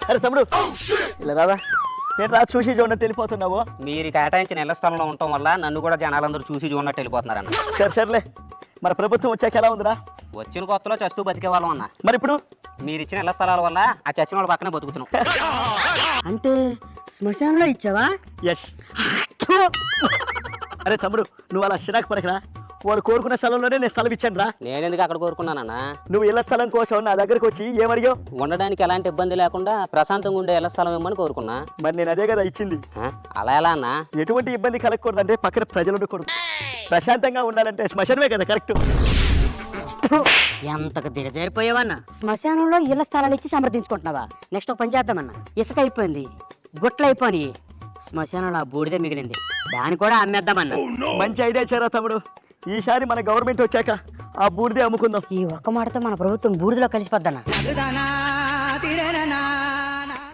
అరే తమ్ముడు ఇలా రాదా నేను రా చూసి చూడనట్టు వెళ్ళిపోతున్నావు. మీరు కేటాయించిన ఇళ్ల స్థలంలో ఉండటం వల్ల నన్ను కూడా జనాలందరూ చూసి చూడనట్టు వెళ్ళిపోతున్నారన్న. సర్లే మరి ప్రభుత్వం వచ్చాక ఎలా ఉందిరా? వచ్చిన కొత్తలో చస్తూ బతికే వాళ్ళం అన్న. మరి ఇప్పుడు మీరు ఇచ్చిన ఇళ్ల స్థలాల వల్ల ఆ చచ్చిన వాళ్ళ పక్కనే బతుకుతున్నాం. అంటే శ్మశానంలో ఇచ్చావా? ఎస్. అరే తమ్ముడు నువ్వు అలా చిరాకు పడకరా. వాడు కోరుకున్న స్థలంలోనే నేను స్థలం ఇచ్చాను రా. నేనెందుకు అక్కడ కోరుకున్నానన్నా? నువ్వు ఇళ్ల స్థలం కోసం నా దగ్గరకు వచ్చి ఏమడిగావు? ఉండడానికి ఎలాంటి ఇబ్బంది లేకుండా ప్రశాంతంగా ఉండే ఇళ్ల స్థలం ఇవ్వమని కోరుకున్నా. మరి నేను అదే కదా ఇచ్చింది. అలా ఎలా అన్నా? ఎటువంటి ఇబ్బంది కలగకూడదు అంటే పక్కన ప్రజలు ఉండకూడదు. ప్రశాంతంగా ఉండాలంటే శ్మశానమే కదా కరెక్ట్. ఎంతకు దిగజారిపోయావన్నా? శ్మశానంలో ఇళ్ల స్థలాలు ఇచ్చి సమర్థించుకుంటున్నావా? నెక్స్ట్ ఒక పని చేద్దామన్నా. ఇసుక అయిపోయింది, గుట్లు అయిపోయి శ్మశానంలో ఆ బూడిదే మిగిలింది, దాన్ని కూడా అమ్మేద్దామన్నా. మంచి ఐడియా చేరా తమ్ముడు. ఈసారి మన గవర్నమెంట్ వచ్చాక ఆ బూడిదే అమ్ముకుందాం. ఈ ఒక్క మాటతో మన ప్రభుత్వం బూడిదలో కలిసిపోద్దన్నా.